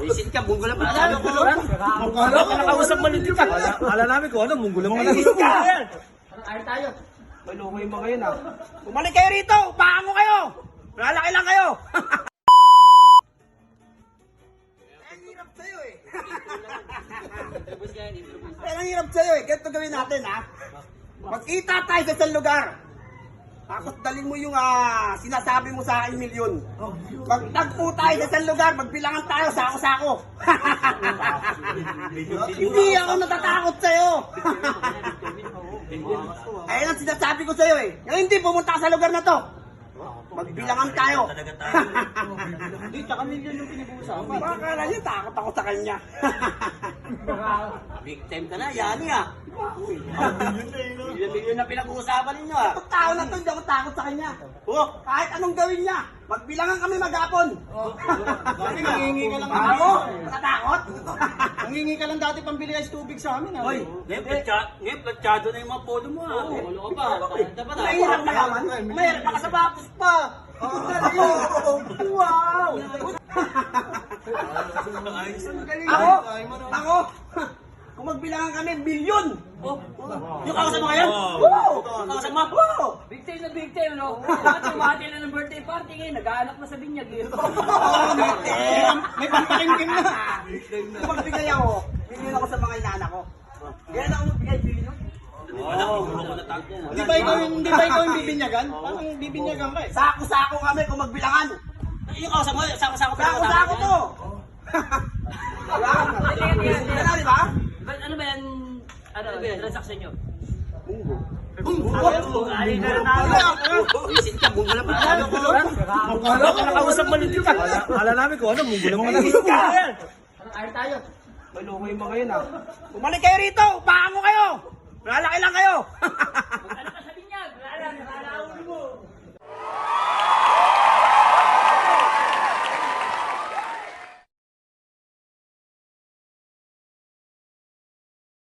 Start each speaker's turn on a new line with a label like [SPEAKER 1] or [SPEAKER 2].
[SPEAKER 1] Visit ka, munggo lang pala. Akala ko nakausap malutin ka.
[SPEAKER 2] Akala namin ko ano, munggulo mo lang.
[SPEAKER 1] Ayun tayo.
[SPEAKER 2] Maloko yung mga yun ah.
[SPEAKER 1] Bumalik kayo rito! Upakan ko kayo! Lalaki lang kayo! Ang hirap sa'yo eh. Ang hirap sa'yo eh. Ganito gawin natin ha. Magkita tayo sa isang lugar. Tapos dalhin mo yung sinasabi mo sa akin milyon. Magtagpo tayo sa isang lugar, magbilangan tayo, sako-sako. Hindi ako natatakot sa'yo. Ayun ang sinasabi ko sa'yo eh. Yung hindi, pumunta ka sa lugar na to. Magbilangan tayo.
[SPEAKER 2] Hindi, tsaka milyon yung pinag-uusapan.
[SPEAKER 1] Baka niya, takot ako sa kanya. Victim ka na, yani ah. Milyon na pinag-uusapan ninyo ah. Itong tao na to, hindi ako takot sa kanya. Kahit anong gawin niya, magbilangan kami maghapon.
[SPEAKER 2] Dati nangingi ka lang.
[SPEAKER 1] Ako? Matatakot?
[SPEAKER 2] Nangingi ka lang dati pambili ice tubig sa amin ah.
[SPEAKER 1] Hoy,
[SPEAKER 3] Ngayon, platsyado na yung mga polo mo ha. Wala ka pa. Dapat ha.
[SPEAKER 1] mahirap mayaman. Mahirap pa ka sa bapos pa. Wow! Ako, kung magbilangan kami, milyon!
[SPEAKER 3] Yung kausap mo ngayon?
[SPEAKER 1] Oo!
[SPEAKER 3] Kausap mo?
[SPEAKER 1] Oo!
[SPEAKER 4] Victim na victim, no? Bakit tumati na ng birthday party ngayon? Nag-aanak na sa binyag, eh.
[SPEAKER 2] May pampakingkin na.
[SPEAKER 1] Kung magbigay ako, milyon ako sa mga inaanak ko. Ganyan ako magbigay, milyon.
[SPEAKER 3] Wala, gulo ko na tayo.
[SPEAKER 2] Hindi ba ikaw yung bibinyagan? Parang bibinyagan ka eh.
[SPEAKER 1] Sako-sako kami kung magbilangan.
[SPEAKER 3] Yung kausap mo, sako-sako pa.
[SPEAKER 1] Sako-sako to! Wala, di ba?
[SPEAKER 4] Ano ba yan? Ano ba yan? Transaction nyo?
[SPEAKER 1] Ali ka na Visit ka, munggo lang pala.
[SPEAKER 2] Akala ko nakausap malutin ka. Akala namin ko ano, munggulo mo lang.
[SPEAKER 1] Ayun tayo.
[SPEAKER 2] Maloko yung mga yun ah.
[SPEAKER 1] Bumalik kayo rito! Upakan ko kayo! Lalaki lang kayo!